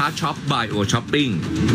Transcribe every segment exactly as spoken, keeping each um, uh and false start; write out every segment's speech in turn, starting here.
ท้าช็อป by โอ Shopping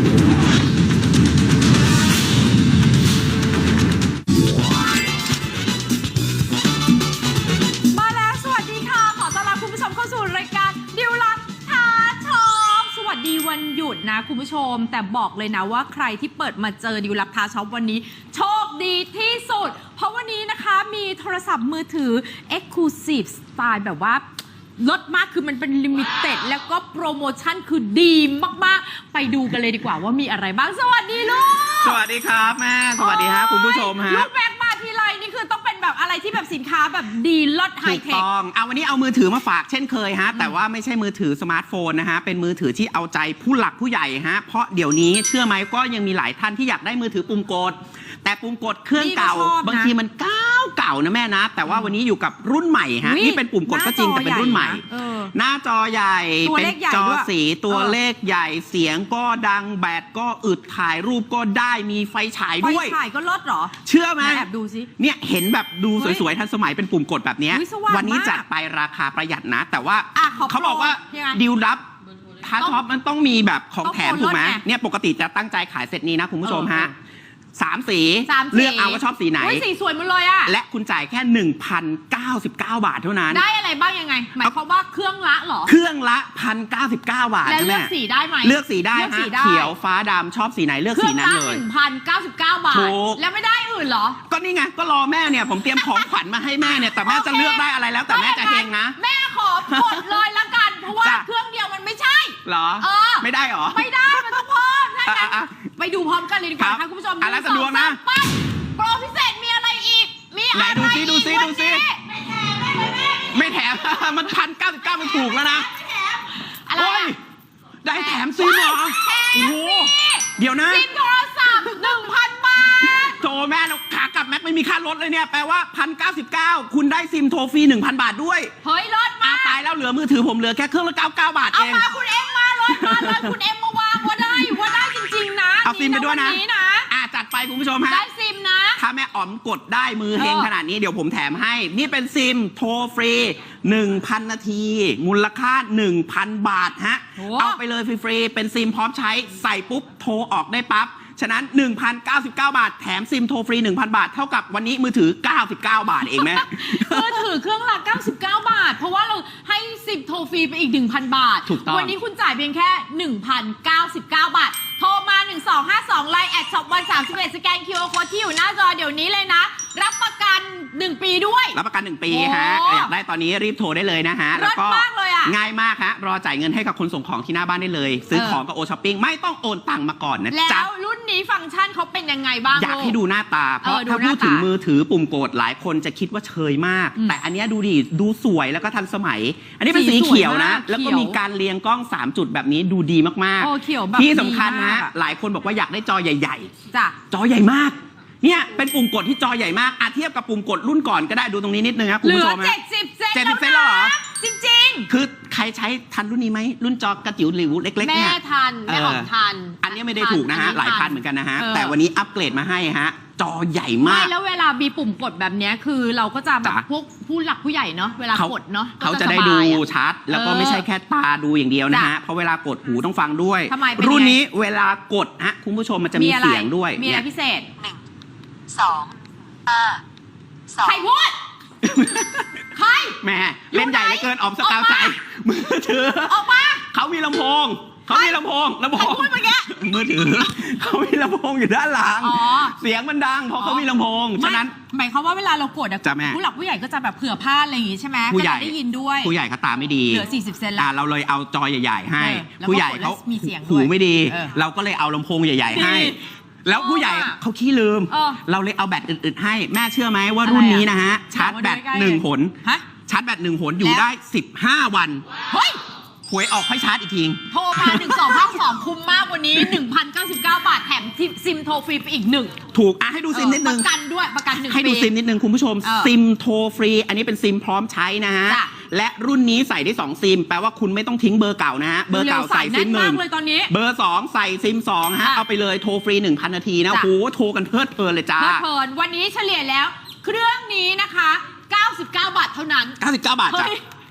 มาแล้วสวัสดีค่ะขอต้อนรับคุณผู้ชมเข้าสู่รายการดิวลับท้าช็อปสวัสดีวันหยุดนะคุณผู้ชมแต่บอกเลยนะว่าใครที่เปิดมาเจอดิวลับท้าช็อปวันนี้โชคดีที่สุดเพราะวันนี้นะคะมีโทรศัพท์มือถือ Exclusive Style แบบว่าลดมากคือมันเป็นลิมิเต็ดแล้วก็โปรโมชั่นคือดีมากๆไปดูกันเลยดีกว่าว่ามีอะไรบ้างสวัสดีลูกสวัสดีครับแม่สวัสดีฮะคุณผู้ชมฮะลูกแบกมาทีไรนี่คือต้องเป็นแบบอะไรที่แบบสินค้าแบบดีลดไฮถูกเทคต้องเอาวันนี้เอามือถือมาฝากเช่นเคยฮะแต่ว่าไม่ใช่มือถือสมาร์ทโฟนนะฮะเป็นมือถือที่เอาใจผู้หลักผู้ใหญ่ฮะเพราะเดี๋ยวนี้เชื่อไหมก็ยังมีหลายท่านที่อยากได้มือถือปุ่มกดแต่ปุ่มกดเครื่องเก่าบางทีมันเก่าเก่านะแม่นะแต่ว่าวันนี้อยู่กับรุ่นใหม่ฮะนี่เป็นปุ่มกดก็จริงแต่เป็นรุ่นใหม่หน้าจอใหญ่เป็นจอสีตัวเลขใหญ่เสียงก็ดังแบตก็อึดถ่ายรูปก็ได้มีไฟฉายด้วยไฟฉายก็ลดเหรอเชื่อไหมแอบดูสิเนี่ยเห็นแบบดูสวยๆทันสมัยเป็นปุ่มกดแบบนี้วันนี้จัดไปราคาประหยัดนะแต่ว่าเขาบอกว่าดิวลับท้าช็อปมันต้องมีแบบของแถมถูกไหมเนี่ยปกติจะตั้งใจขายเซตนี้นะคุณผู้ชมฮะสามสีเลือกเอาว่าชอบสีไหนสีสวยหมดเลยอะและคุณจ่ายแค่ หนึ่งพันเก้าสิบเก้า บาทเท่านั้นได้อะไรบ้างยังไงหมายความว่าเครื่องละเหรอเครื่องละ หนึ่งพันเก้าสิบเก้า บาทแล้วเลือกสีได้ไหมเลือกสีได้ฮะเขียวฟ้าดำชอบสีไหนเลือกสีนั้นเลยหนึ่งพันเก้าสิบเก้า บาทแล้วไม่ได้อื่นเหรอก็นี่ไงก็รอแม่เนี่ยผมเตรียมของขวัญมาให้แม่เนี่ยแต่แม่จะเลือกได้อะไรแล้วแต่แม่จะเฮงนะแม่ขอกดเลยละกันเพราะว่าเครื่องเดียวมันไม่ใช่เหรอไม่ได้เหรอไม่ได้มันต้องเพิ่มถ้างั้นไปดูพร้อมกันเลยดีกว่าค่ะคุณผู้ชมอะไรจะดวงนะโปรพิเศษมีอะไรอีกมีอะไรอีกดูซิดูซิดูซิไม่แถมมันพันเก้าสิบเก้ามันถูกแล้วนะโอ้ยได้แถมซิมเหรอโอ้โหเดี๋ยวนะซิมโทรศัพท์หนึ่งพันบาทโทรแม่เราขากลับแม็กไม่มีค่ารถเลยเนี่ยแปลว่าพันเก้าสิบเก้าคุณได้ซิมโทรฟรีหนึ่งพันบาทด้วยเฮ้ยลดมาตายแล้วเหลือมือถือผมเหลือแค่เครื่องละเก้าสิบเก้าบาทเองเอามาคุณเอ็มมาลดมาเลยคุณเอ็มมาวางว่าได้ว่าได้จริงๆนะเอาซิมไปด้วยนะอ่ะจัดไปคุณผู้ชมฮะได้ซิมนะถ้าแม่อ๋อมกดได้มือเฮงขนาดนี้เดี๋ยวผมแถมให้นี่เป็นซิมโทรฟรี หนึ่งพัน นาทีมูลค่า หนึ่งพัน บาทฮะเอาไปเลยฟรีๆเป็นซิมพร้อมใช้ใส่ปุ๊บโทรออกได้ปั๊บฉะนั้น หนึ่งพันเก้าสิบเก้า บาทแถมซิมโทรฟรี หนึ่งพัน บาทเท่ากับวันนี้มือถือเก้าสิบเก้าบาทเองแม่มือถือเครื่องละเก้าสิบเก้าบาทเพราะว่าเราให้ซิมโทรฟรีไปอีก หนึ่งพัน บาทวันนี้คุณจ่ายเพียงแค่ หนึ่งพันเก้าสิบเก้า บาทโทรมาหนึ่งสองห้าสองไลน์แอดช็อปวันสามสิบเอ็ดสแกน คิว อาร์ Code ที่อยู่หน้าจอเดี๋ยวนี้เลยนะรับประกันหนึ่งปีด้วยรับประกันหนึ่งปีฮะอยากได้ตอนนี้รีบโทรได้เลยนะฮะแล้วก็ง่ายมากฮะรอจ่ายเงินให้กับคนส่งของที่หน้าบ้านได้เลยซื้อของกับโอช้อปปิ้งไม่ต้องโอนตังค์มาก่อนนะจ๊ะแล้วรุ่นนี้ฟังก์ชันเขาเป็นยังไงบ้างอยากให้ดูหน้าตาเพราะถ้าพูดถึงมือถือปุ่มกดหลายคนจะคิดว่าเชยมากแต่อันนี้ดูดิดูสวยแล้วก็ทันสมัยอันนี้เป็นสีเขียวนะแล้วก็มีการเรียงกล้องสามจุดแบบนี้ดูดีมากๆที่สำคัญนะหลายคนบอกว่าอยากได้จอใหญ่ๆจ้ะจอใหญ่มากเนี่ยเป็นปุ่มกดที่จอใหญ่มากอาเทียบกับปุ่มกดรุ่นก่อนก็ได้ดูตรงนี้นิดนึงครับคุณผู้ชมเหลือเจ็ดสิบเซนเจ็ดสิบเซนแล้วเหรอจริงๆคือใครใช้ทันรุ่นนี้ไหมรุ่นจอกระจิ๋วหลิวเล็กๆเนี่ยแม่ทันแม่ออกทันอันนี้ไม่ได้ถูกนะฮะหลายพันเหมือนกันนะฮะแต่วันนี้อัปเกรดมาให้ฮะจอใหญ่มากไม่แล้วเวลามีปุ่มกดแบบนี้คือเราก็จะแบบพวกผู้หลักผู้ใหญ่เนาะเวลากดเนาะเขาจะได้ดูชัดแล้วก็ไม่ใช่แค่ตาดูอย่างเดียวนะฮะเพราะเวลากดหูต้องฟังด้วยรุ่นนี้เวลากดฮะคุณผู้ชมมันจะมีเสียงด้วยมีอะไรพิเศษหนึ่งสองห้าสองใครพูดใครแม่เล่นใหญ่เหลือเกินออมสกาวใจมือถือออกมาเขามีลำโพงเขามีลำโพงลำโพงมือถือเขามีลำโพงอยู่ด้านหลังเสียงมันดังเพราะเขามีลำโพงฉะนั้นหมายความว่าเวลาเรากดอะผู้หลักผู้ใหญ่ก็จะแบบเผื่อพลาดอะไรอย่างงี้ใช่ไหมผู้ใหญ่ได้ยินด้วยผู้ใหญ่เขาตาไม่ดีเหลือสี่สิบเซนแล้วเราเลยเอาจอใหญ่ๆให้ผู้ใหญ่เขาหูไม่ดีเราก็เลยเอาลำโพงใหญ่ๆให้แล้วผู้ใหญ่เขาขี้ลืมเราเลยเอาแบตอื่นๆให้แม่เชื่อไหมว่ารุ่นนี้นะฮะชาร์จแบตหนึ่งหนชาร์จแบตหนึ่งหนอยู่ได้สิบห้าวันเฮ้ยหวยออกค่อยชาร์จอีกทีโทรมาหนึ่งสองห้าสองคุ้มมากวันนี้ หนึ่งพันเก้าสิบเก้า บาทแถมซิมโทรฟรีไปอีกหนึ่งถูกอ่ะให้ดูซิมนิดนึงประกันด้วยประกันหนึ่งให้ดูซิมนิดนึงคุณผู้ชมซิมโทรฟรีอันนี้เป็นซิมพร้อมใช้นะฮะและรุ่นนี้ใส่ได้สองซิมแปลว่าคุณไม่ต้องทิ้งเบอร์เก่านะฮะเบอร์เก่าใส่ซิมหนึ่งเบอร์สองใส่ซิมสองฮะเอาไปเลยโทรฟรี หนึ่งพัน นาทีนะโอ้โหโทรกันเพลิดเพลินเลยจ้าเพลิดเพลินวันนี้เฉลี่ยแล้วเครื่องนี้นะคะเก้าสิบเก้าบาทเท่านั้นเก้าสิบเก้าบาทจ้ะ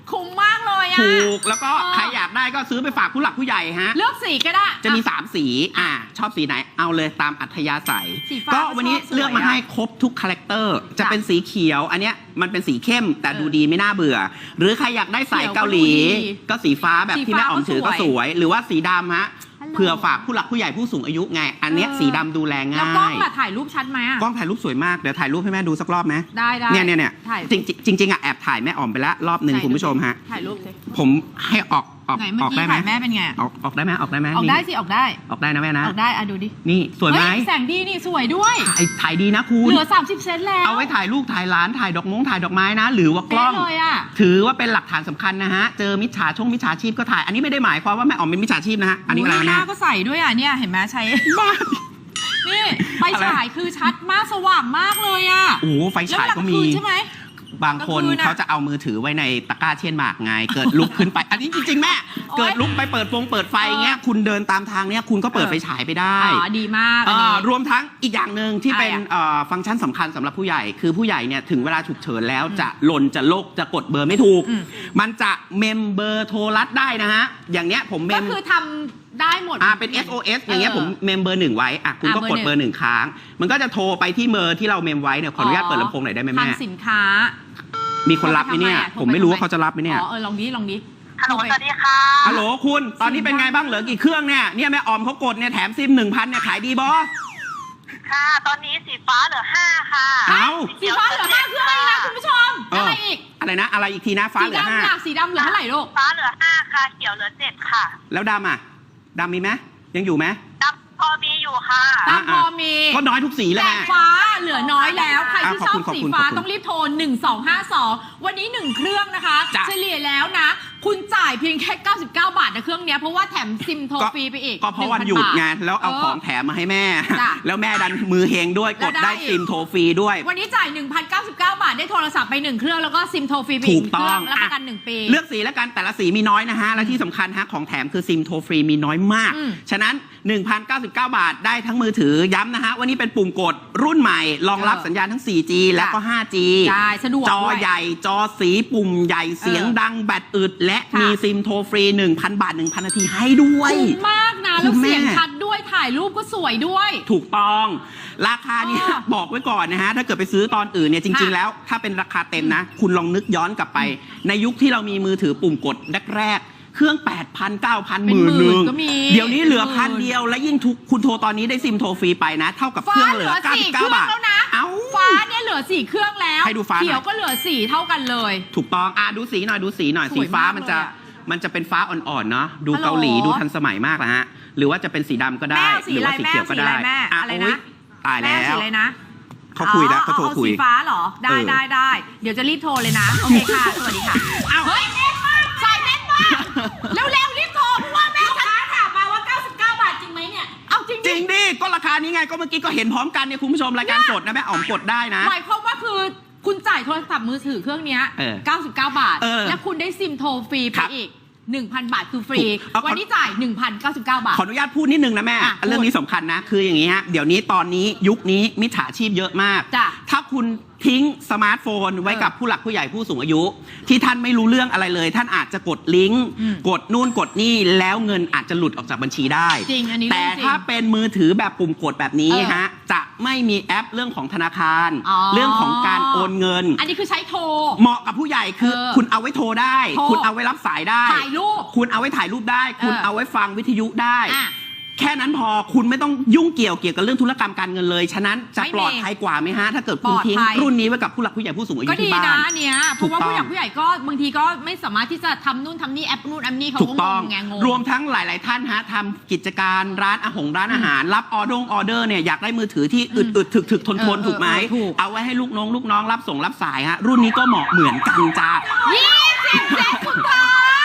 คุ้มมากเลยอะถูกแล้วก็เออใครอยากได้ก็ซื้อไปฝากผู้หลักผู้ใหญ่ฮะเลือกสีก็ได้จะมีอ่สามสีอ่าชอบสีไหนเอาเลยตามอัธยาศัยสีฟ้าก็วันนี้ก็ชอบสวยเลือกมาให้ครบทุกคาแรคเตอร์จะเป็นสีเขียว อันเนี้ยมันเป็นสีเข้มแต่เออดูดีไม่น่าเบื่อ หรือใครอยากได้สายเกาหลีเขียวก็ดูดีก็สีฟ้าแบบสีที่ฟ้าแม่อ๋อมถือก็ก็สวยสวย หรือว่าสีดำฮะฮัลโหลเผื่อฝากผู้หลักผู้ใหญ่ผู้สูงอายุไง อันเนี้ยเออสีดำดูแลแล้วง่ากล้องยล่ะถ่ายรูปชัดไหมอะกล้องถ่ายรูปสวยมากเดี๋ยวถ่ายรูปให้แม่ดูสักรอบไหมได้ได้เนี่ยเนี่ยเนี่ยถ่ายจริงๆจริงๆอ่ะแอบถ่ายแม่อ๋อมไปแล้วรอบหนึ่งไหนคุณผู้ชมฮะถ่ายรูปสิผมให้ออกออกไหนเมื่อออกกี้ได้ไหมถ่ายแม่เป็นไงออกออกได้ไหมออกได้ไหมออกได้นี่สิออกได้ออกได้นะแม่นะออกได้อะดูดินี่สวยไหมเฮ้แสงดีนี่สวยด้วยถ่ายถ่ายดีนะคุณเหลือสามสิบเซนแล้วเอาไว้ถ่ายลูกถ่ายหลานถ่ายดอกมงถ่ายดอกไม้นะ หรือว่ากล้องเป๊ะเลยอะถือว่าเป็นหลักฐานสำคัญนะฮะ เจอมิจฉาช่องมิจฉาชีพก็ถ่าย อันนี้ไม่ได้หมายความว่าแม่อ๋อมเป็นมิจฉาชีพนะฮะ อันนี้อะไรหนะน้าก็ใส่ด้วยอ่ะเนี่ยเห็นไหมใช้บ้านี่ไฟฉายคือชัดมากสว่างมากเลยอ่ะโอ้โหไฟฉายก็มีแล้วเวลคืนใช่ไหมบางคนกลางคืนอะเขาจะเอามือถือไว้ในตะกร้าเชียนหมากไง เกิดลุกขึ้นไป อันนี้จริงๆแม่โอ๊ยเกิดลุกไปเปิดฟงเปิดไฟเงี้ย คุณเดินตามทางเนี้ยคุณก็เปิดเออไฟฉายไปได้อ๋อดีมากอันอ่านี้รวมทั้งอีกอย่างหนึ่งที่เป็นอะไรอะเอ่อฟังก์ชันสำคัญสำหรับผู้ใหญ่ คือผู้ใหญ่เนี่ยถึงเวลาฉุกเฉินแล้วจะหล่นจะโลกจะกดเบอร์ไม่ถูกอืมมันจะเมมเบอร์โทรรัดได้นะฮะ อย่างเนี้ยผมเมก็มคือทำได้หมดอ่าเป็น เอส โอ เอส อย่างเงี้ยผมเมมเบอร์หนึ่งไว้อ่ะคุณก็อ่ะเบอร์กดเบอร์หนึ่งค้าง มันก็จะโทรไปที่เบอร์ที่เราเมมไว้เนี่ยขออนุญาตเปิดลำโพงหน่อยได้ไหมทาแม่งสินค้ามีคนรับไหมเนี่ยโทรไปทำไมอ่ะผมไม่รู้ว่าเขาจะรับไหมเนี่ยอ๋อเออลองดิลองดิฮัลโหลสวัสดีค่ะฮัลโหลคุณตอนนี้เป็นไงบ้างเหลือกี่เครื่องเนี่ยเนี่ยแม่ออมเขากดเนี่ยแถมซิมหนึ่งพันเนี่ยขายดีบอค่ะ ตอนนี้สีฟ้าเหลือห้าค่ะเอ้าสีฟ้าเหลือห้าเครื่องเองนะคุณผู้ชมเออออะไรอีกอะไรนะ อะไรอีกทีนะฟ้าสีเหลือห้าดำล่ะสีดำเหลือเท่าไหร่ลูกฟ้าเหลือห้าค่ะ เขียวเหลือเจ็ดค่ะแล้วดำอ่ะดำมีไหมยังอยู่ไหมดำพอมีอยู่ค่ะดำพอมีก็น้อยทุกสีแหละแต่ฟ้าเหลือน้อยแล้ว ใครที่อ่ะชขออบบ คุณสีขอบคุณฟ้าขอบคุณต้องรีบโทร หนึ่งสองห้าสอง วันนี้ หนึ่ง เครื่องนะคะจ้ะเฉลี่ยแล้วนะ คุณจ่ายเพียงแค่ เก้าสิบเก้า บาทนะเครื่องเนี้ยเพราะว่าแถมซิมโทรฟรีไปอีกก็เพราะวันหนึ่งพันหยุดบาทไงแล้วเอาเออของแถมมาให้แม่จ้ะแล้วแม่ดันมือเฮงด้วยกดแล้วได้ได้ซิมโทรฟรีด้วยวันนี้จ่าย หนึ่งพันเก้าสิบเก้า บาทได้โทรศัพท์ไปหนึ่งเครื่องแล้วก็ซิมโทรฟรีไปอีกถูกต้องเครื่องรับประกันอ่ะหนึ่งปีเลือกสีแล้วกันแต่ละสีมีน้อยนะฮะ และที่สำคัญฮะของแถมคือซิมโทรฟรีมีน้อยมากอืมฉะนั้น หนึ่งพันเก้าสิบเก้า บาทได้ทั้งมือถือย้ำนะฮะวันนี้เป็นปุ่มกดรุ่นใหม่รองรับเออสัญญาณทั้ง โฟร์จี และก็ ไฟว์จีใช่สะดวกจอด้วยใหญ่จอสีปุ่มใหญ่เสียงเออดังแบตอึด และค่ะมีซิมโทรฟรี หนึ่งพัน บาท หนึ่งพัน นาทีให้ด้วยคุ้มมากนะคุแล้วณแม่เสียงชัดด้วยถ่ายรูปก็สวยด้วยถูกต้อง ราคาเนี้อ๋อบอกไว้ก่อนนะฮะ ถ้าเกิดไปซื้อตอนอื่นเนี่ยจริง ๆค่ะแล้ว ถ้าเป็นราคาเต็มนะ คุณลองนึกย้อนกลับไป ในยุคที่เรามีมือถือปุ่มกดแรกๆเครื่อง แปดพัน เก้าพัน หเป็นมื่นหหมื่นึ่นงก็มีเดี๋ยวนี้เหลือเป็นหมื่นพันเดียว และยิ่งทุกคุณโทรตอนนี้ได้ซิมโทรฟรีไปนะ เท่ากับเคฟ้ารื่องเหเหลืลืออสี่เครื่เก้าสิบเก้าองบาทแล้วนะเอ้าฟ้าเนี่ยเหลือสี่เครื่องแล้วให้ดูฟ้าหน่อยเขียวก็เหลือสี่เท่ากันเลยถูกต้องอ่ะดูสีหน่อยดูสีหน่อยสสีวยฟ้ามากมันจะเลยอะมันจะเป็นฟ้าอ่อนๆเนาะดูฮัลโหลเกาหลีดูทันสมัยมากนะฮะหรือว่าจะเป็นสีดำก็ได้แม่เอาสีหรือว่าอะไรสีเขียวก็ได้แม่เอาสีอะไรแม่อะไรนะโอ๊ยตายแม่แล้สีวอะไรนะเขาคุยแล้วเขาโทรอ๋อคุยสีฟ้าเหรอ ได้เออได้ได้ เดี๋ยวจะรีบโทรเลยนะ โอเคค่ะ สวัสดีค่ะเอ้าเฮ้ยใส่เม็ดมากเร็วๆรีบโทรเพราะว่าแม่ฉันถามมาว่า เก้าสิบเก้า บาทจริงไหมเนี่ย เอาจริงจริงดิก็ราคานี้ไงก็เมื่อกี้ก็เห็นพร้อมกันเนี่ยคุณผู้ชมรายการสดนะแม่อ๋อมกดได้นะหมายความว่าคือคุณจ่ายโทรศัพท์มือถือเครื่องเนี้ยเออเก้าสิบเก้า บาทเออและคุณได้ซิมโทรฟรีไปครับอีก หนึ่งพัน บาทคือฟรีถูกเอาขอวันนี้จ่าย หนึ่งพันเก้าสิบเก้า บาทขออนุญาตพูดนิดนึงนะแม่อ่ะเรื่องนี้สำคัญนะ คืออย่างนี้ฮะเดี๋ยวนี้ตอนนี้ยุคนี้มิจฉาชีพเยอะมากจ้ะถ้าคุณทิ้งสมาร์ทโฟนไว้เออกับผู้หลักผู้ใหญ่ผู้สูงอายุ ที่ท่านไม่รู้เรื่องอะไรเลย ท่านอาจจะกดลิงก์อืมกดนู่นกดนี่แล้วเงินอาจจะหลุดออกจากบัญชีได้จริงอันนี้แต่เรื่องจริงถ้าเป็นมือถือแบบปุ่มกดแบบนี้เออฮะจะไม่มีแอปเรื่องของธนาคารอ๋อเรื่องของการโอนเงินอันนี้คือใช้โทรเหมาะกับผู้ใหญ่คือเออคุณเอาไว้โทรได้โทรคุณเอาไว้รับสายได้ถ่ายรูปคุณเอาไว้ถ่ายรูปได้ คุณเออเอาไว้ฟังวิทยุได้อ่ะแค่นั้นพอคุณไม่ต้องยุ่งเกี่ยวเกี่ยวกับเรื่องธุรกรรมการเงินเลย ฉะนั้นจะไม่มีปลอดภัยกว่าไหมฮะ ถ้าเกิดคุณปลอดทิ้งภัยรุ่นนี้ไว้กับผู้หลักผู้ใหญ่ผู้สูงอายุก็ดีที่บ้านะนอันเนี้ยเพถูกราะว่าต้องผู้ใหญ่ผู้ใหญ่ก็บางทีก็ไม่สามารถที่จะทำนู่นทำนี่แอปนู่นแอปนี่เขาถูก็กงต้องงไงงงรวมทั้งหลาย ๆ ท่านฮะทำกิจการร้านอาหงร้านอาหาร รับออเดอร์ออเดอร์เนี่ยอยากได้มือถือที่อึดอึดถึกถึกทนทนเออถูกไหมเออถูกเอาไว้ให้ลูกน้องลูกน้องรับส่งรับสายฮะรุ่นนี้ก็เหมาะเหมือนกันจ้ายี่สิบเซนสุดท้าย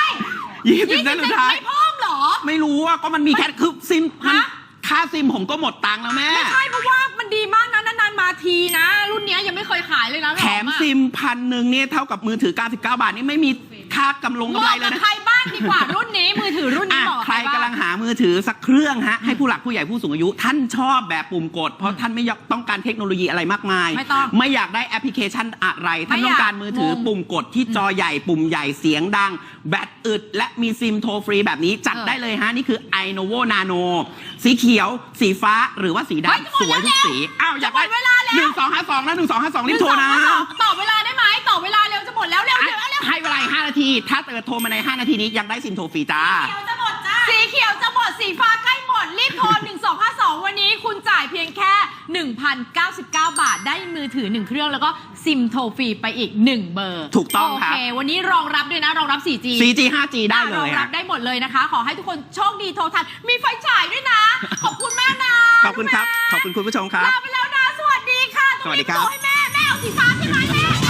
ยี่สิบยี่เซสินบสุเซดนท้ายไม่เพิ่มเหรอไม่รู้ว่าก็มันมีแค่คือซิมมันฮะค่าซิมผมก็หมดตังค์แล้วแม่ไม่ใช่เพราะว่ามันดีมากนะนานๆมาทีนะ รุ่นเนี้ยยังไม่เคยขายเลยนะแถมซิมพันหนึ่งเนี่ยเท่ากับมือถือ เก้าสิบเก้า บาทนี่ไม่มีค่ากำลงเหกำไรมาะเลยกับนะใครบ้างดีกว่ารุ่นนี้มือถือรุ่นนี้อ่ะเหมาะกับใครบ้กำลังหามือถือสักเครื่องฮะให้ผู้หลักผู้ใหญ่ผู้สูงอายุ ท่านชอบแบบปุ่มกด เพราะท่านไม่ต้องการเทคโนโลยีอะไรมากมายไม่ต้องไม่อยากได้แอปพลิเคชันอะไร ท่านไม่ต้อากอยงการมือถืองงปุ่มกดที่จอใหญ่ปุ่มใหญ่เสียงดัง แบตอึด และมีซิมโทรฟรีแบบนี้จัดเออได้เลยฮะ นี่คือ iNovo Nano สีเขียว สีฟ้าหรือว่าสีเฮ้ยดำสวยทุกสีอ้าวอยากได้จะหมดเวลาแล้วหนึ่งสองห้าสองนะหนึ่งสองห้าสองรีบโทรนะต่อเวลาได้ไหมต่อเวลาเร็วจะหมดแล้วเร็วเร็วเร็วให้เวลาอีกห้านาที ถ้าเกิดโทรมาในห้านาทีนี้ยังได้ซิมโทรฟรีจ้าสีเขียวจะหมดสีฟ้าใกล้หมดรีบโทรหนึ่งสองห้าสองวันนี้คุณจ่ายเพียงแค่ หนึ่งพันเก้าสิบเก้า บาทได้มือถือหนึ่งเครื่องแล้วก็ซิมโทรฟรีไปอีกหนึ่งเบอร์ถูกต้องครับโอเควันนี้รองรับด้วยนะรองรับ โฟร์จีโฟร์จี ไฟว์จี ได้เลรองยรับฮะได้หมดเลยนะคะ ขอให้ทุกคนโชคดีโทรทันมีไฟฉายด้วยนะ ขอบคุณมากนะขอบคุณครับ ขอบคุณคุณผู้ชมครับลาไปแล้วนะ สวัสดีค่ะสวัสดีครับต้องรีโทให้แม่ แม่เอาสีฟ้าใช่ไหมแม่